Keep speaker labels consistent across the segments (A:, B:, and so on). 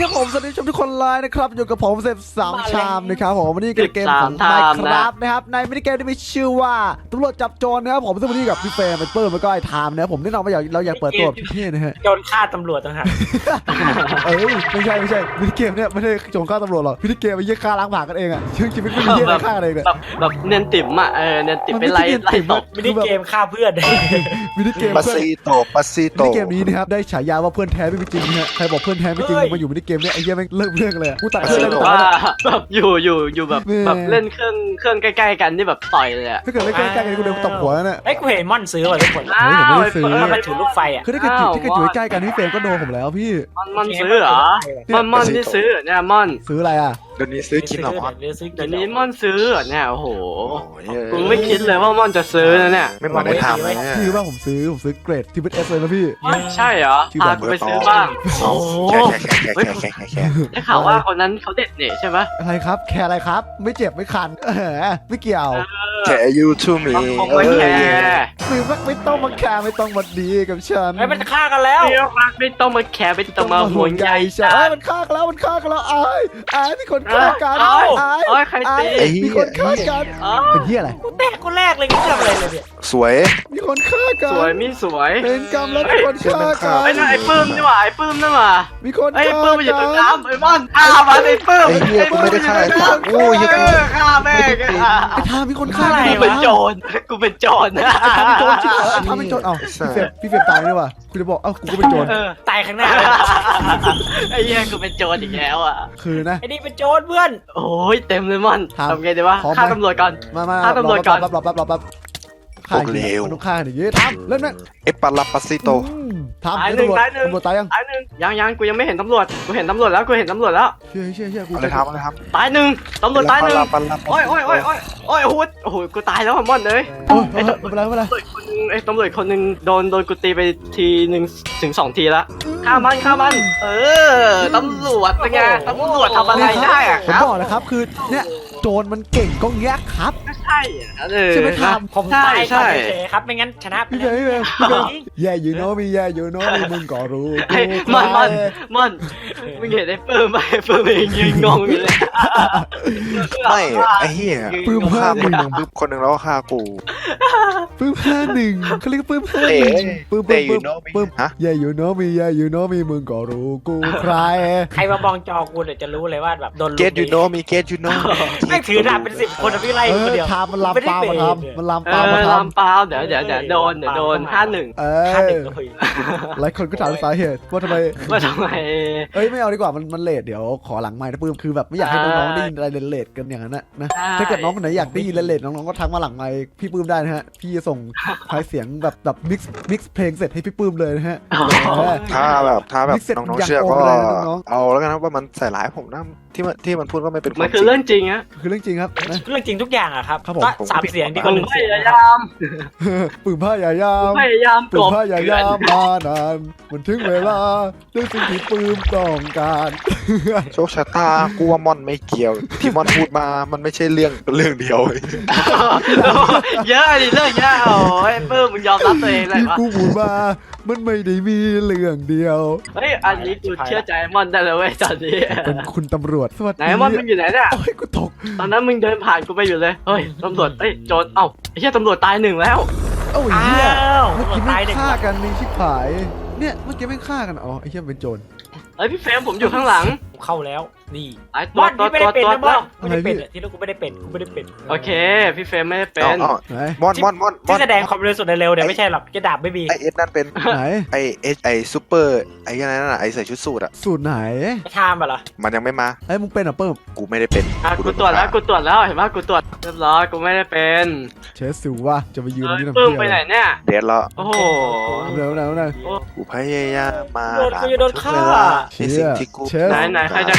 A: ครับผมสวัสดีทุกคนเลยนะครับอยู่กับผมเซฟ3 ชามนะครับผมวันนี้เกมของ Minecraft นะครับในมินิเกมที่มีชื่อว่าตำรวจจับโจรนะครับผมซึ่งวันนี้กับพี่เฟรมเป็นเปิ้ลแล้วก็ไอ้ไทม์นะครับผมแน่นอนว่าเราอยากเปิดตัวพี่นะฮะ
B: โจรฆ่าตำรวจต่างหาก
A: ไม่ใช่มินิเกมเนี่ยไม่ใช่โจรฆ่าตำรวจหรอกมินิเกมมันยิ่งฆ่าล้างผลาญกันเองอ่ะชีวิตไม่มีเหี้ยฆ่ากันเองอ่ะ
C: แบบเนียนติ๋มอ่ะเนียนติ๋มเป็นไรตก
B: มินิเกมฆ่าเพื่อน
A: มินิเกม
D: ปัสซีโต
A: มินิเกมนี้นะครับได้ฉายาว่าเพื่อนแท้ไม่มีจริงนะฮะใครบอกเพื่อนแท้ไม่จริงมาอยู่มินิเกมเนี่ยไอ้เหี้ยแม่งเลิกเรื่องเลยกูตัดเพื่อนเลย
C: ว่าแบบอยู่แบบเล่นเครื่องใกล้ๆกันที่แบบต่อยเลยอ่ะ
A: ถ้าเกิดไม่ใกล้ๆกันกูเดินตบหัวน่ะ
B: ไอ้กูเห็นม่อนซื้อว่ะทุกคน
A: ผมไม่ได้ซื้อ
B: มันถือลูกไฟอ่ะ
A: คือถ้าเกิดอยู่ใกล้กันพี่เฟรมก็โดนผมแล้วพี่
C: มันซื้อเหรอม่อนที่ซื้อเนี่ยม่อน
A: ซื้ออะไรอ่ะ
D: เดี๋ยวนี้ซื้อกินหรอมอน
C: เดี๋ยวนี้ม่อนซื้อเนี่ยโอ้โหกูไม่คิดเลยว่าม่อนจะซื้อนะเนี่ย
D: ไม่มาได้ทำเลย
A: คือว่าผมซื้อเกรดที่เป็นเอสเลยนะพี่
C: ใช่เหรอพากูไปซื้อบ้างโอ้
D: แค่
C: ได้ข่าวว่าคนนั้นเขาเด็ดเนี่ยใช่ไหม
A: อะไรครับแคร์อะไรครับไม่เจ็บไม่คันไม่เกี่ยว
D: แค่ยูทูมี
C: ไม่แคร์
A: ไม่ต้องมาแคร์ไม่ต้องมาดีกับฉัน
B: ไอ้มันฆ่ากันแล้ว
C: ไม่ต้องมาแคร์ไม่ต้องมาห่วงใย
A: ฉันมันฆ่ากันแล้วไอ้มีคนฆ่ากัน
C: ใครตี
A: มีคนฆ่ากันเป็นที่อะไร
B: กูแตกคนแรกเลยกูทำอะไรเลยเนี่ย
D: สวย
A: มีคนฆ่ากัน
C: สวยมีสวย
A: เป็นกรรมแล้วมีคนฆ่ากัน
C: ไอ้ปื้มนี่หว่าไอ้ปื้มนั่นหว่า
A: มีคน
C: ไอ้ปื้มมันอยู่ตรงน้ำไอ้ม่อนมาไอ้ปื้ม
D: ไอ้เหี้ยกูไม่ได้ฆ่าไอ้สัตว์โอ้ยยัง
C: ฆ่าแม่
A: ไอ้ทามีคนฆ่า
C: กูเป็นโจรกูเป็นโจรนะ
A: ไอ้ทาเป็นโจรจริงไอ้ทาเป็นโจรเอ้าพี่เฟรมตายนี่วะคุณจะบอกเอ้ากูก็เป็นโจร
B: ตายข้างหน้า
C: ไอ้เหี้ยกูเป็นโจรอีกแล้วอ่ะ
A: คือนะ
B: ไอ้นี่เป็นโจรเพื่อน
C: โอ้ยเต็มเลยม่อนทำไงดีวะฆ่าตำรวจก่อนฆ่าตำรวจก่อน
A: รับฆ่าเร็วต้องฆ่าอย่างงี้ทำเล่นไหม
D: เอปปาลาปัสซิโต
A: ทำตำรวจตาย
C: ยังกูยังไม่เห็นตำรวจกูเห็นตำรวจแล้วเ
A: ชื่อ
D: อะไรทำ
C: ตายหนึ่งตำรวจตายหนึ่งโอ้ยโอ้โหกูตายแล้วม่อนเลย
A: ไม่เป็นไร
C: ไอ้ตำรวจคนหนึ่งโดนกูตีไปทีหนึ่งถึง2 ทีละฆ่ามันตำรวจเป็นไงตำรวจทำอะไรได้อะ
A: ผมบอกนะครับคือเนี่ยโจรมันเก่งก็แยกครับ
C: ใช่
A: ใช่ไหมท
B: ำผมตายครับไม่งั้นชนะ
A: พี่แย่อยู่โน้มีมึงก็รู้
C: มันมึงเห็นไอ้ปื้มไหมปื้มเองยืนงงอยู่เลย
D: ไม่ไอ้เหี้ยปื้มฆ่ามึงปื้มคนหนึ่งแล้วฆ่ากู
A: ปื้ม51เขาเรียกปื้ม51ปื้มแย่อยู่โน้มีมึงก็รู้กูใคร
B: มามองจอกูเดี๋ยวจะรู้เลยว่าแบบโดน
D: เกตยูโน้มีเกตยูโน้
B: ไม่ถือดาบเป็น10 คนพี่ไล่คนเดียว
A: ทำมันลามปามาทำมันลามปา
C: เดี๋ยวโดน51
A: หลายคนก็ถามสาเหตุว่าทำไมไม่เอาดีกว่ามันเลทเดี๋ยวขอหลังไมค์นะปื้มคือแบบไม่อยากให้น้องๆได้ยินอะไรเลทกันอย่างนั้นนะถ้าเกิดน้องคนไหนอยากได้ยินเลทน้องๆก็ทักมาหลังไมค์พี่ปื้มได้นะฮะพี่จะส่งไฟล์เสียงแบบมิกซ์เพลงเสร็จให้พี่ปื้มเลยนะฮะ
D: ถ้าแบบน้องๆเชื่อก็เอาแล้วกันนะว่ามันใส่ร้ายผมนะที่มันพูดว่าไม่เป็น
C: มันคือเรื่องจริงอะ
A: คือเรื่องจริงครับ
B: เรื่องจริงทุกอย่างอะครับก็3 เสียงดีกว่า1 เสียง
A: ปืนพยายามมานานมันถึงเวลาด้วยสิ่งที่ปืนต้องการ
D: โชคชะตากูว่ามอนไม่เกี่ยวที่มอนพูดมามันไม่ใช่เรื่องเดียว
C: เยอะดิเรื่องเยอะโอ้ยปื้มมึงยอมรับตัวเองเลยวะ
A: กูพูดมามันไม่ได้มีเรื่องเดียว
C: เฮ้ยอันนี้กูเชื่อใจมอนได้เลยเว้ยตอนนี้
A: เป็นคุณตำรวจสวัสดี
C: ไหนมอนมึงอยู่ไหนเนี่ย
A: โอ้ยกูตก
C: ตอนนั้นมึงเดินผ่านกูไปอยู่เลยเฮ้ยตำรวจโจรไอ้เหี้ยตำรวจตาย1แล้ว
A: โอ้ยเหี้ยเมื่อกี้ไม่ฆ่ากันนี่ชิบหายเนี่ยเมื่อกี้ไม่ฆ่ากันอ๋อไอ้เหี้ยเป็นโจร
C: พี่เฟรมผมอยู่ข้างหลัง
B: เข้าแล้วนี่
C: ไอ้ตัวไม่ได้เป็น
B: ที่ลูกกูไม่ได้เป็น
C: โอเคพี่เฟรมไม่ได้เป็น
D: มอน
B: ที่แสดงความเร็วสุดเร็วเดี๋ยวไม่ใช่หรอกจะดาบไม่มี
D: ไอเอสนั่นเป็น
A: ไหน
D: ไอซูเปอร์ไอ้นั่นน่ะไอใส่ชุดสูทอะ
A: สูทไหน
B: ทามเหรอ
D: มันยังไม่มา
A: มึงเป็นอ่ะเปิ้ม
D: กูไม่ได้เป็น
C: กูตรวจแล้วเห็นป่ะกูตรวจเรียบร้อยกูไม่ได้เป็น
A: เชสสิวะจะไปยืนนี่ทำไม
C: เปิ้มไปไหนเนี่ย
D: เด็ดแล้ว
C: โอ้โห
A: เร็ว
D: กูพยายามมา
B: กูจะโดนฆ่า
D: สิ่งที่กู
C: ไหนใครจะฆ่าวะ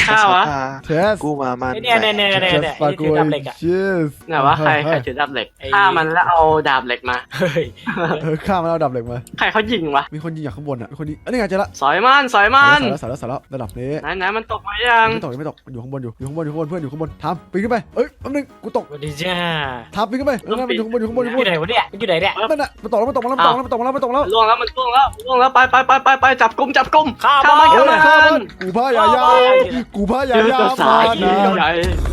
A: เทส
D: กูมามัน
B: เนี่ยที่ถือดาบเหล็กอ่ะ
A: cheers
C: ไหนวะใครถือดาบเหล็กฆ่ามันแล้วเอาดาบเหล็กมา
B: เฮ้ย
A: ข้ามมาแล้วดับเหล็กมา
C: ใครเขายิงวะ
A: มีคนยิงจากข้างบนอ่ะมีคนยิงนี่ไงเจอละ
C: สอยมัน
A: สายแล้วระดับนี้
C: ไหนมันตกมายัง
A: ไม่ตกอยู่ข้างบนอยู่ข้างบนเพื่อนอยู่ข้างบนทำปีนขึ้นไปเอ้ยแป๊บนึงกูตก
B: สวัสดีจ้า
A: ทำปีนขึ้นไปนั่นมันอยู่ข้างบน
B: อยู่ไหนวะเนี่ยอยู่ไหนเนี่ย
A: นั่นน่ะมันตกแล้ว
C: ล่วงแล้วไปจับกุม
B: ข้าว
C: มัน
A: กูพายายามมานะ
C: ใหญ่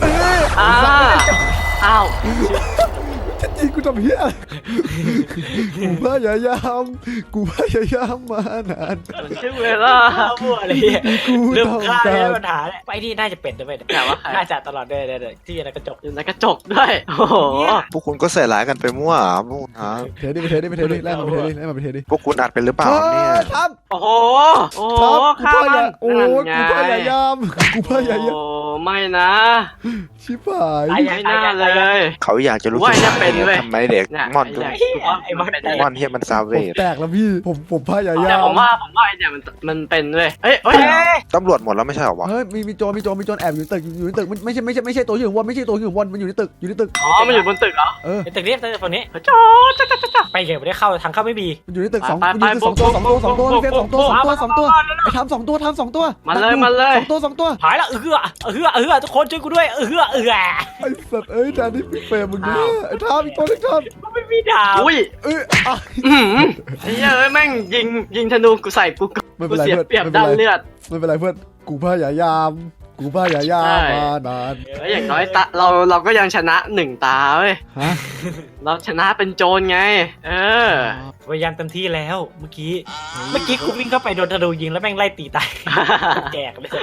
C: อ้าว
A: จริงกูทำเหี้ยกูพายายามมานาน
C: มันชื่อเวลา
B: ข้าวมั่วเลย
A: กู
B: เรื่อง
A: ต้อง
B: ข้าว
A: กา
B: เนี่ย
A: ร
B: ปัญหาเนี่ยไปที่น่าจะเป็นด้วย
C: แต่ว่าใคร
B: น่าจะตลอดเลยที่อะไรกระจก
C: อยู่ในกระจกด้วยโอ้โห
D: พวกคุณก็ใส่ร้ายกันไปมั่วพวกคุณฮะ
A: เทดิไล่มาไปเทดิ
D: พวกคุณอัดเป็นหรือเปล่าเนี่ย
A: ทำ
C: โอ้โห
A: กู
C: ฆ่ามัน
A: โอ้กูพายายาม
C: โอ้ไม่นะ
A: ชิบหาย
C: ไม่น่าเลย
D: เขาอยากจะรู้
C: ว่าเนี่ยเป็นเว้ย
D: ทำไมเด็กมอน
B: ไอ้มัน
D: มอนเฮียมันซาเว
A: ผม
D: ด
A: แตกแล้วพี่ผมพายายา
C: แต่
A: ม
C: ผมว่าไอ้เนี่ยมันเป็นเว้ยเฮ้ย
D: ตำรวจหมดแล้วไม่ใช่หรอวะ
A: เฮ้ยมีโจรแอบอยู่ในตึกไม่ใช่ตัวอยู่บนไม่ใช่ตัวอยู่บนมันอยู่ในตึก
C: อ๋อมันอยู่บนตึกเหรอ
B: ไอ้ตึกนี้ฝั่งนี้
C: จ้า
B: ไปเก็บไม่ได้เข้าทางเข้าไม่มี
A: มันอยู่ในตึกสองตัวพี่เฟรม2 ตัวไอ้ทำ2 ตัว
C: มาเลย
A: 2 ตัว
B: หายละทุกคนช่วยกูด้วย
A: ไอ้สัตว์แทนที่พี่เฟรมมึงเนี่ยไอ้ทำอีกตัวนึงทำ
B: ไม่มีดาว
C: อุ้ยไอ้เฮ้ยแม่งยิงธนูกูใส่กูเสียเปรียบด้านเลือด
A: ไม่เป็นไรเพื่อนกูพายายามมานาน
C: อย่างน้อยเราก็ยังชนะ1 ตาเว้ย
A: ฮะ
C: เราชนะเป็นโจรไง
B: พยายามเต็มที่แล้วเมื่อกี้กูวิ่งเข้าไปโดนธนูยิงแล้วแม่งไล่ตีตายแจกเลย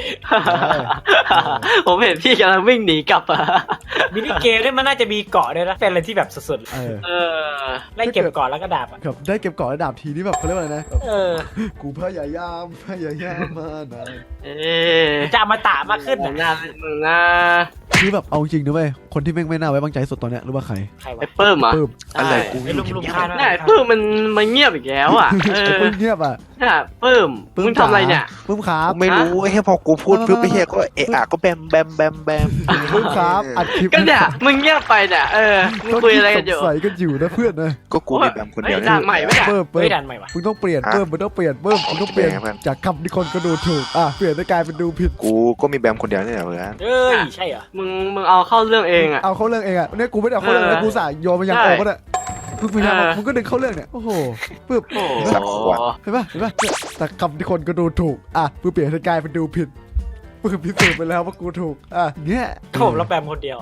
C: ผมเห็นพี่กำลังวิ่งหนีกลับ
B: มินิเกมเนี่ยมันน่าจะมีเกาะด้วยนะเป็นอะไรที่แบบสุดๆไล่เก็บเกาะแล้วก็ดาบ
A: ครับได้เก็บเกาะระดับทีนี่แบบเขาเรียกว่าอะไรนะ กูพยายามมานาน
B: จะมาตะมากขึ้น
C: มึงนะ
A: คือแบบเอาจริงนะเว้ยคนที่แม่งไม่น่าไว้วางใจสุดตอนเนี้ยรู้ป่ะใคร
C: ไอ้เปิ้มอ่ะ
D: อะไรกู
B: ไอ้ลุงข้า
C: เนี่ยเปิ้มมันเงียบอีกแล้วอ่ะ
A: ปึ้มเงียบอ่ะ
C: เนี่ยเปิ้มมึงทำอะไรเนี่ย
A: ปึ้มครับ
D: ไม่รู้ไอ้เฮียพอกูพูดปุ๊บไอ้เฮียก็เอะอะก็แบม
A: ปึ้มครับอัดคลิป
C: ก็เนี่ยมึงเงียบไปเนี่ยมึงคุยอะไรกันอยู่
A: ใส่กันอยู่นะเพื่อนนะ
D: ก็กูมีแบมคนเดียว
C: ด่านใหม่ไม่ได้
A: เพิ่ม
B: ไม่ดันใหม่วะ
A: มึงต้องเปลี่ยนเพิ่มมึงต้องเปลี่ยนจากคำที่คนก็ดูถูกเปลี่ยนได้กลายเป็นดูผิด
D: กูก็มีแบมคนเดียวนี่แหละเพื่อน
B: ใช่เหรอ
C: มึงเอาเข้าเรื่องเองอ่ะ
A: เอาเข้าเรื่องเองอ่ะเนี่ยกูไม่ได้เอาเข้าเรื่องนะกูสายโยนมายังโอ้ก็ได้มึงพยายามมึงก็ดึงเข้าเรื่องเนี่ยโอ้โหปึ๊บ
D: สักขวด
A: เห็นป่ะแต่คำที่คนก็ดูถูกมึงเปลี่ยนให้กลายเป็นดูผิดมึงพิสูจน์ไปแล้วว่ากูถูกเงี้ย
B: ผมรับแบมคนเดียว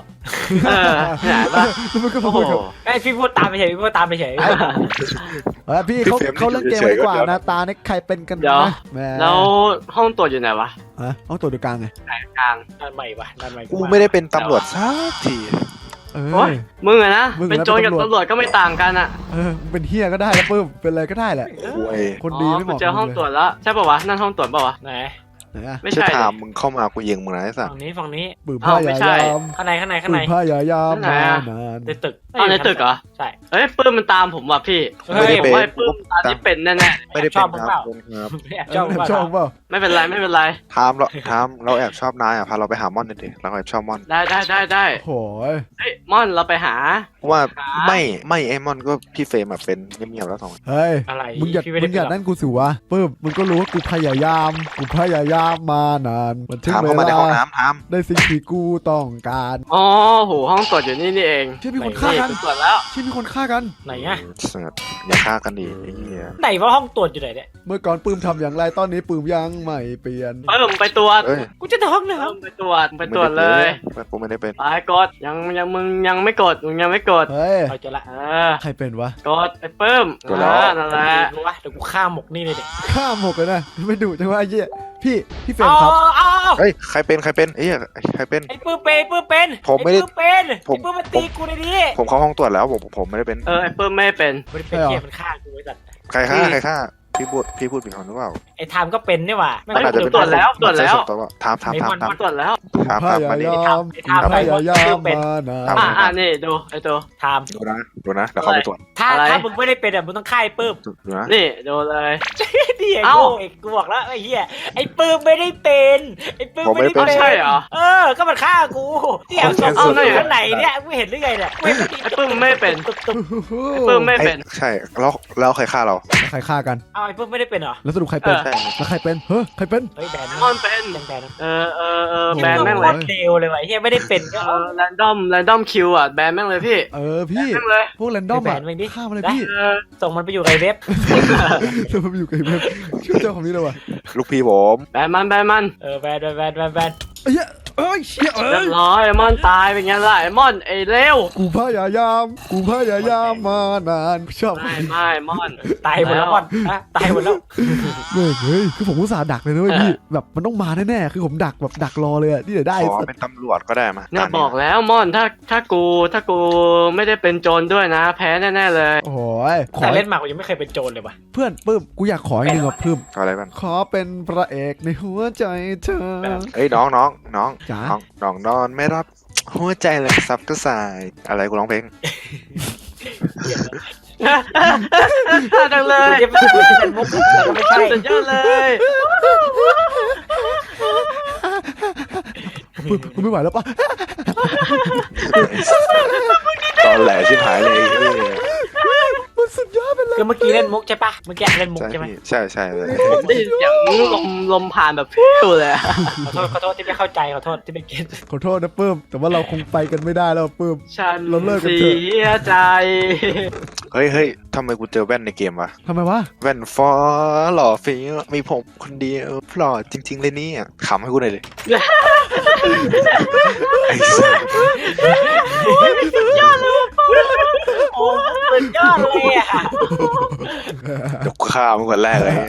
A: แล้วมึงก็พูดกับ
B: ไอ้พี่พูดตามไปเฉย
A: พี่เขาเล่นเกมดีกว่านะตาเนี่ยใครเป็นกันนะแม่
C: แล้วห้องตรวจอยู่ไหนวะ
A: ห้องตรวจดูกลางไง
C: กลาง
B: ดันใหม่วะดันใหม่
D: กูไม่ได้เป็นตำรวจสักที
C: มึงอะนะเป็นโจรกับตำรวจก็ไม่ต่างกันอ่ะ
A: เป็นเฮียก็ได้แล้วปื้มเป็นอะไรก็ได้แหละคนดีไม่เหมาะ
C: เจอห้องตรวจแล้วใช่ป่าวะนั่นห้องตรวจป่าวะ
B: ไหน
C: ไม่
D: ใช่
C: ใช่
D: ถามมึงเข้ามากูยิงมึงนะไอ้สัส
B: ฝั่งนี้
A: ปื้มผ้ายายาม
B: ข้างใน
A: ปื้มผ้ายายามมานาน
B: ในตึก
C: ในตึกเหรอ
B: ใช่
C: เฮ้ยปื้มมันตามผมว่ะพี่
D: ไม่ได้เป็น
C: ปื้มตามที่เป็นแน่
D: ไม่ได้เป็นครับ
A: ชอบเปล่า
C: ๆไม่เป็นไร
D: ถามเราแอบชอบนายพาเราไปหามอนหน่อยดิเราแอบชอบมอน
C: ได้
A: โอ้ย
C: เฮ้ยม่อนเราไปหา
D: ว่าไม่ไอ้มอนก็พี่เฟรมแบบเป็นเงียบๆแล้วสอง
A: เฮ้ย
B: อะไร
A: มึงอย่านั่นกูสิวะปื้มมึงก็รู้ว่ากูพยายามมานานมันถึง
D: ถาม
A: เว
D: เข้ามาในห้อง
A: ลา
D: น้ำถาม
A: ได้สิ่งที่กูต้องการ
C: อ๋อโหห้องตรวจอยู่นี่เอง
A: ที่มีคนฆ่ากัน
C: ตรวจแล้ว
A: ที่มีคนฆ่ากัน
B: ไหนอ่ะ
D: อย่าฆ่ากันดิไอ้เหี้ย
B: ไหนว่าห้องตรวจอยู่ไหนเนี่ย
A: เมื่อก่อนปื้มทำอย่างไรตอนนี้ปื้มยังไม่เปลี่ยน
C: ปื้มไปตรวจ
D: เอ้ย
B: กูจะท้องเลย
C: ไปตรวจเลย
D: กูไม่ได้เป็น
C: ไปกดมึงยังไม่กดกด
A: เฮ้ย
B: เอาจะละ
A: ใครเป็นวะ
C: กดไอ้ปื้มนั่นแหละ
B: รู้วะเดี๋ยวกูฆ่าหมกนี่เลยเด็ก
A: ฆ่าหมกเลยนะไม่ดุจังวะไอ้เหี้ยพี่เฟรมครับ
D: เฮ้ยใครเป็นเอ้ยใครเป็น
B: ไอ้ปื้มเป็น
D: ผมไม่ได้
B: ไอ้ปื้มมาตีกูในนี้
D: ผมเข้าห้องตรวจแล้วผมไม่ได้เป็น
C: ไอ้ปื้มไม่เป็น
B: มันเป็นเกียมันฆ่ากูไว้สัตว์
D: ใครฆ่าพี่พูดผิดคนหรือเปล่า
B: ไอ้ไทม์ก็เป็นนี่หว่าไม่
C: อาจจะ
B: รู้
C: เป็นตรวจแล้วตรวจแล้ว
D: ถาม
C: มาตรวจแล้ว
D: มาดิ
A: พยายามมานาน
C: นี่ดูไอ้ตัว
B: ไทม์
D: ดูนะเดี๋ยวเขาไปตรวจ
B: ถ้า
C: อะไร
B: ถ้ามึงไม่ได้เป็นอ่ะมึงต้องฆ่าไอ้ปื้ม
D: ดูนะ
C: นี่ดูเลย
B: นี่ไอ้
C: เอ้า
B: โง่ไอ้กูบอกแล้วไอ้เหี้ยไอ้ปื้มไม่ได้เป็นไอ้ปื้มไม่ได้
C: เอา
B: เป็น
C: ใช่เหรอ
B: ก็มันฆ่ากูเนี่ยศพ
C: เอา
B: กู
C: หน่อย
B: อยู่ข้างไหนเนี่ยกูเห็นหรือไงเนี่ยไม่
C: ไอ้ปื้มไม่เป็น
B: ตุ๊บ
C: ไอ้ปื้มไม่เป็น
D: ใช่แล้วใครฆ่าเรา
A: ใครฆ่ากัน
B: เอาไอ้ปื้มไม่ได้เป็นเหรอ
A: แล้วสรุปใครเป็น
C: เออ
D: ใช่
A: แล้วใครเป็นเฮ้ยใครเป็น
B: เฮ้ยแบน
C: มอนเป็น
B: ยังแบนนะ
C: แบนแม่งเลย
B: เร็วเลยว่ะเฮียไม่ได้เป็นก็
C: แรนดอมคิวอ่ะแบนแม่งเลยพี่
A: พี่
C: แม่งเลย
A: พวกแรนดอมอะฆ่ามาเลยพี่
B: ส่งมันไปอยู่ในเว็บ
A: แล้วมันอยู่กับไอ้เว็บชื่อเจ้าของนี้เลยว่ะ
D: ลูกพี่ผม
C: แบนมันแบน
B: แบน
A: ไอ้เหี้ยเอ้ยเชี่ย
C: เรียบร้อยไอ้มอนตายเป็นไงล่ะไอ้มอนไอ้เร็ว
A: กูพยายามมานานชอบ
C: ไม่มอน
B: ตายหมดแล้วก่อนตายหมดแล้ว
A: เฮ้ยคือผมอุตส่าห์ดักเลยนะเว้ยพี่แบบมันต้องมาแน่ๆคือผมดักแบบดักรอเลยอะที่เดี๋ยวได้
D: ขอเป็นตำรวจก็ได้มา
C: เนี่ยบอกแล้วมอนถ้ากูไม่ได้เป็นโจรด้วยนะ แพ้แน่ๆเลย
A: โอ้ยขอ
B: แต่เล่นมากูยังไม่เคยเป็นโจรเลยว่ะ
A: เพื่อนปื้มกูอยากขออีกหนึ่งอ่ะปื้ม
D: อะไรบ้าง
A: ขอเป็นพระเอกในหัวใจเธอ
D: เอ้ยน้อง
A: จ๋า
D: น้องนอนไม่รับหัวใจเลยซับก็สายอะไรกูร้องเพลง
C: จังเลย
B: จะเป็นมุกแต่ก็ไม่ใช่
C: สุดยอดเลย
A: ปื้มกูไม่ไหวแล้วปะ
D: ตอนแหลชิบหายเลย
A: มันสุดยอดไปเลย
B: คือเมื่อกี้เล่นมุกใช่ปะเมื่อกี้เล่นมุก
D: ใช่
B: ใช่ไหม
D: พี่ใช่เลย
C: ผมได้ยินเสียงลมผ่านแบบฟิวเลย
B: ขอโทษที่ไม่เข้าใจขอโทษที่ไม่เก็ต
A: ขอโทษนะปื้มแต่ว่าเราคงไปกันไม่ได้แล้วปื้ม
C: ฉัน
A: เราเลิกกัน
C: เสี
A: เถอะ
C: ยใจ
D: เฮ้ยทำไมกูเจอแว่นในเกมวะ
A: ทำไมวะ
D: แว่นฟอหล่อฟีมีผมคนเดียวหล่อจริง ๆ เลยเนี่ยขำให้กูหน่อยเลยไอ้สัส
B: โอ้สุดยอดเลยอ่ะ
D: เดี๋ยวกูฆ่ามึงคนแรกเลย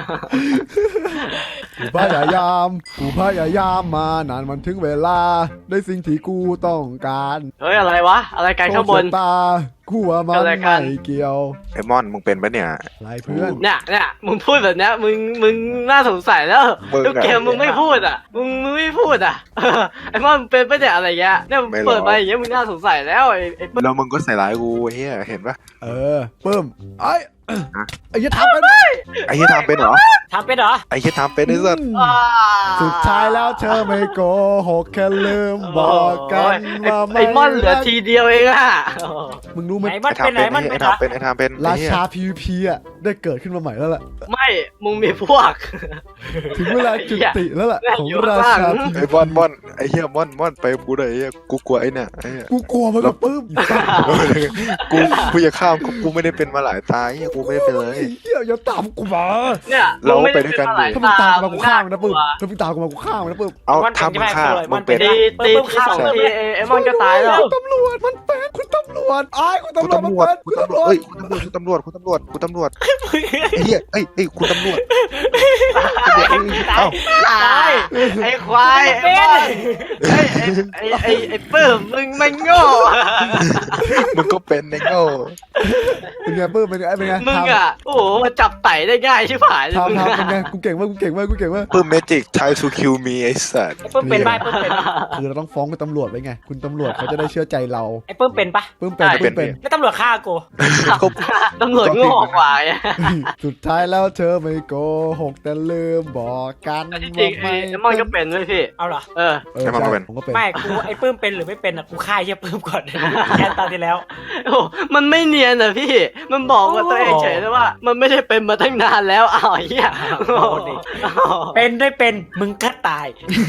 A: กูพยายามมานานมันถึงเวลาได้สิ่งที่กูต้องการ
C: เฮ้ยอะไรวะ อะไรกันข้างบน
A: โชคชะตากูว่ามัน
C: อะไรกัน
A: ไม่เกี่ยว
D: ไอ้มอนมึงเป็นปะเนี่ย
A: ไรเพื่อน
C: เนี่ยมึงพูดแบบเนี้ยมึงน่าสงสัยแล้ว
D: มึงอะ
C: ทุกเกมมึงไม่พูดอ่ะมึงไม่พูดอ่ะไอ้มอนเป็นไปเนี่ยอะไรเงี้ยเนี่ยมึง
D: ไม่หรอก
C: เปิดมาอย่างเงี้ยมึงน่าสงสัยแล้วไอ้
D: แล้วมึงก็ใส่ร้ายกูไอ้เฮียเห็นปะ
A: ปื้มไอ้
D: ฮะ
A: ไอ้ยัดทำเป็น
D: ไอ้เฮียทำเป็นเหรอ
B: ทำเป็นเหรอ
D: ไอ้เฮียทำเป็นไอ้สัส
A: สุดท้ายแล้วเธอไม่โกหกแค่ลืมบอกกันว่าไม่
C: ไอ้มอนเหลือทีเดียวเองอ่ะ
A: มึงรู้ไหม
B: ไหนมันเป็นไหนมัน
D: ไอ้
B: เป็นเหรอ
D: ทำเป็นไอ้ทำเป็น
A: รา
D: ไอ้เหี้ย
A: ชา PVP อ่ะได้เกิดขึ้นมาใหม่แล้วล่ะ
C: ไม่มึงมีพวก
A: ถึงเวลาจุติแล้วล่ะ
C: แม่ง
A: ของ
C: อยู่
A: รา
C: ข้างหลั
A: ชาง
C: ง
A: PVP
D: ไอ้มอนไอ้เฮียมอนไปกูเลยไอ้เหี้ยกูกลัวไอ้เนี่ยไอ้เหี้ย
A: กูกลัวมันกับปื้ม
D: กูจะข้ามกูไม่ได้เป็นมาหลายตาเฮียกูไม่ได้เป็นเลย
A: เฮียอย่าตามกูมา
C: เนี่ย
D: เรา
C: มึงม่
D: ไปด้วยกันดิ
A: ถ้ามึงตามกูมากูฆ่ามันนะปื้มถ้ามึงตามกูมากูฆ่ามันนะปื้ม
D: เอา
B: มันเป็น
D: ทำมึงฆ่า
B: ใช่ไหม
D: มึงเป็น
C: ตีที่สองทีไอ้มอนก็ตายแล้ว
A: คุณตำรวจมันเป็นคุณตำรวจไอ้คุณ
D: คุณ
A: ตำรวจ
D: ตำรวจ
A: มัน
D: คุณ
A: เป็น
D: ตำรวจเอ้ยคุณตำรวจไอ้เหี้ยเอ้ยคุณตำรวจเอ้า
C: ตายไอ้ควายไอ้มอนไอ้ปื้มมึงไม่โง่
D: มึงก็เป็นไอ้โง่
A: เป็นไงปื้มเป็นไงเป็นไง
C: มึงอ่ะโอ้โหมาจับไต่ได้ง่ายใช่ไหม
A: ทำเป็นไงกูเก่งมากกูเก่งมากกูเก่งมาก
D: เพิ่มเมจิก try to kill me ไอ้สัส
B: ไอ้เปิ้มเป็นปะไอ้เปิ้มเป็น
A: คือเราต้องฟ้องคุณตำรวจไว้ไงคุณตำรวจเขาจะได้เชื่อใจเรา
B: ไอ้เปิ้มเป็นปะ
A: ปื้มเป็นปื้มเป็น
B: ไม่ตำรวจฆ่ากู
C: ตำรวจโง่กว่าไง
A: สุดท้ายแล้วเธอไม่โกหกแต่ลืมบอกกัน
C: จริงๆไอ้มอนก็เป็นด้วยพี่
B: เอาเหรอ
C: เออ
A: ผมก็เป็น
B: ไม่กูไอ้เปิ้มเป็นหรือไม่เป็นอ่ะกูฆ่าไอ้เหี้ยเปิ้มก่อนแค่ตอนที่แล้ว
C: โอ้มันไม่เนียนอ่ะพี่ มันบอกว่าตัวเองเฉยเลยว่า มันไม่ได้เป็นมาตั้งนานแล้วอ้าวไอ้เหี้ย
B: เป็นได้เป็นมึงก็ตาย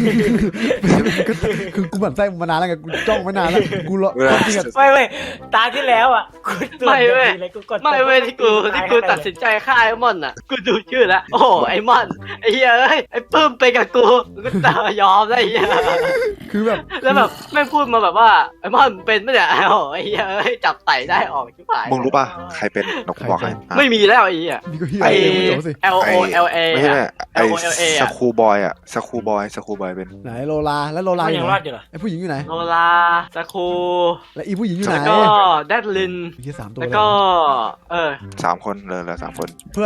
A: คือกูหมั่นไส้มึงมานานแล้วไงกูจ้องไม่นานแล้วกูรอจริงอะ
B: ไม่เว้ยตาที่แล้วอ่ะกูตรวจเลยกูกด
C: ไม่เว้ยที่กูตัดสินใจฆ่าไอ้มอนอ่ะกูดูชื่อแล้วโอ้ไอ้มอนไอ้เหี้ยเอ้ยไอ้ปื้มไปกับกูก็ตายอมได้ไอ้เหี้ย
A: คือแบบ
C: แล้วแบบไม่พูดมาแบบว่าไอ้มอนเป็นไม่ได้โอ้ไอ้เหี้ยเอ้ยจับไต่ได้ออกชิบหาย
D: มึงรู้ป่ะใครเป็นนกบอกให้
C: ไม่มีแล้วไอ้เหี้ย
A: นี่ก็เฮีย
C: ไอ้
A: มึงจบสิ
C: L O L A
D: ไม่ใช่ไอ้
C: LOLA
D: สคูบอยอะสคูบอยเป็น
A: ไหนโลลาแล้วโลลา
B: มัน
A: อ
B: ยั
A: ยู่
B: ง
A: ไห
B: ร
A: น
B: อดอยู่เหรอ
A: ไอ้ผู้หญิงอยู่ไหน
C: โนลาสคู
A: และอีผู้หญิงอยู่ไหน
C: แล้วก็แดดลิน
A: มีแค่3ตัว
C: แล้วก็เออ
D: 3 คนเลย3 คน
A: เพื่อน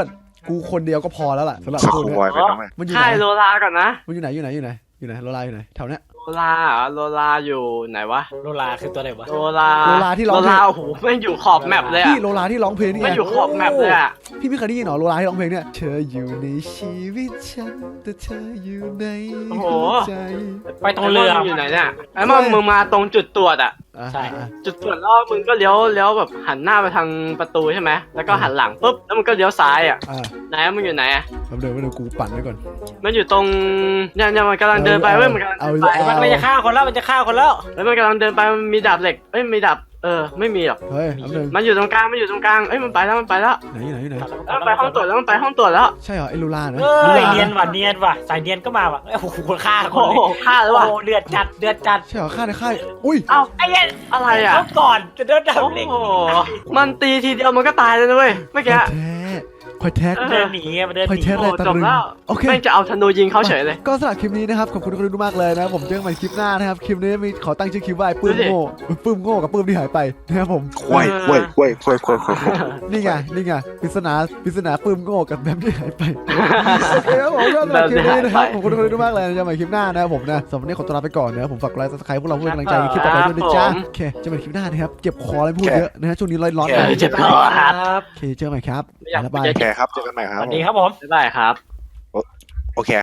A: กูคนเดียวก็พอแล้วล่ะสำหรับ
D: ส
A: ตัว
D: กู
A: เนี้
D: บอย
A: ย
D: เป็นน้องไหม
A: มันอยู่ไหน
C: ค่ายโลลาก่อนนะ
A: มันอยู่ไหนโลลาอยู่ไหนแถวเนี้ย
C: โลลาเหรอโลลาอยู่ไหนวะ
B: โลลาคือตัวไหนวะ
C: โลลา
A: โลลาที่ร้องเพลง
C: โลลาโอ้โหแม่งอยู่ขอบแมปเลย
A: พี่
C: อะ
A: โลลาที่ร้องเพลงนี่ไง
C: แม่งอยู่ขอบแมปเลยอะ
A: พี่ไม่เคยได้ยินเหรอโลลาที่ร้องเพลงเนี่ยเธออยู่ในชีวิตฉันแต่เธออยู่ในหัวใจ
B: ไปตรงเรือ
C: ไอ้มอนมึงอยู่ไหนเนี่ยไอ้มอนมึงมาตรงจุดตรวจอะ
A: อ่ะ
B: ใช่
A: อ่ะ
C: จุดตรวจแล้วมึงก็เลี้ยวแบบหันหน้าไปทางประตูใช่ไหมแล้วก็หันหลังปุ๊บแล้วมึงก็เลี้ยวซ้ายอะ
A: อ่ะ
C: ไหนมึงอยู่ไหนอะ
A: แป๊บเดี๋ยวกูปั่นไว้ก่อน
C: มันอยู่ตรงเนี่ยมันกำลังเดินไปเว้ยมันกำลังเดินไป
B: มันจะฆ่าคนแล้วมันจะฆ่าคนแล้ว
C: แล้วมันกำลังเดินไปมันมีดาบเหล็กเอ้ยมีดาบไม่มีหรอก
A: เฮ้ยแป๊บนึง
C: มันอยู่ตรงกลางเอ้ยมันไปแล้ว
A: ไหน
C: แล้วมันไปห้องตรวจแล้ว
A: ใช่เหรอไอ้โลลานะ
B: เฮ้ยเนียนว่ะสายเนียนก็มาว่ะโอ้โหฆ่าค
C: โอ้
B: นเล
C: โห
B: ย
C: ฆ่าแล้วว่ะ
B: โอ้เดือดจัด
A: ใช่เหรอค่ายในค่ายอุ้ย
C: เอ้า
B: ไอ้เหี้ย
C: อะไรอะ
B: เขาก่อนจะโดนดับ
C: โอ้
B: เล็ก
C: โหมันตีทีเดียวมันก็ตายเลยนะเว้ยเมื่อกี้
A: คอยแท้
B: เดินหนีมันเดินห
A: คอย
B: นี
A: แท้
C: โอ้
A: แรงตะ
C: จบ
A: ลึง
C: แล้ว
A: โอเค
C: แม่งจะเอาธนูยิงเขาเฉยเลย
A: ก็สำหรับคลิปนี้นะครับขอบคุณทุกคนมากเลยนะผมเจอกันใหม่คลิปหน้านะครับคลิปนี้มีขอตั้งชื่อคลิปว่าไอ้ปื้มโง่กับปื้มที่หายไปนะครับผม
D: ควาย
A: นี่ไงปริศนาปื้มโง่กับแบมที่หายไปโอเคครับผมก็สำหรับคลิปนี้นะครับขอบคุณทุกคนมากเลยเจอกันใหม่คลิปหน้านะครับผมนะสำหรับวันนี้ขอตัวลาไปก่อนนะครับผมฝากไลค์ซับสไครป์พวกเราเพื่อนกำลังใจคลิปต่อไปด้วยนะจ๊ะโอเคเจอกันใหม่คลิปหน้านะครับเจ็บคออะไรพูดเยอะนะฮะช่วงนี้ร้อนๆ
C: เจ็บคอครับ
A: โอเคเจอกันใหม่ครับ
C: ไม่อยาก
A: บ๊ายบาย
D: โอเคครับเจอกันใหม่ครับ
B: สวัสดีครับผม
C: บ๊ายบายครับ
D: โอเค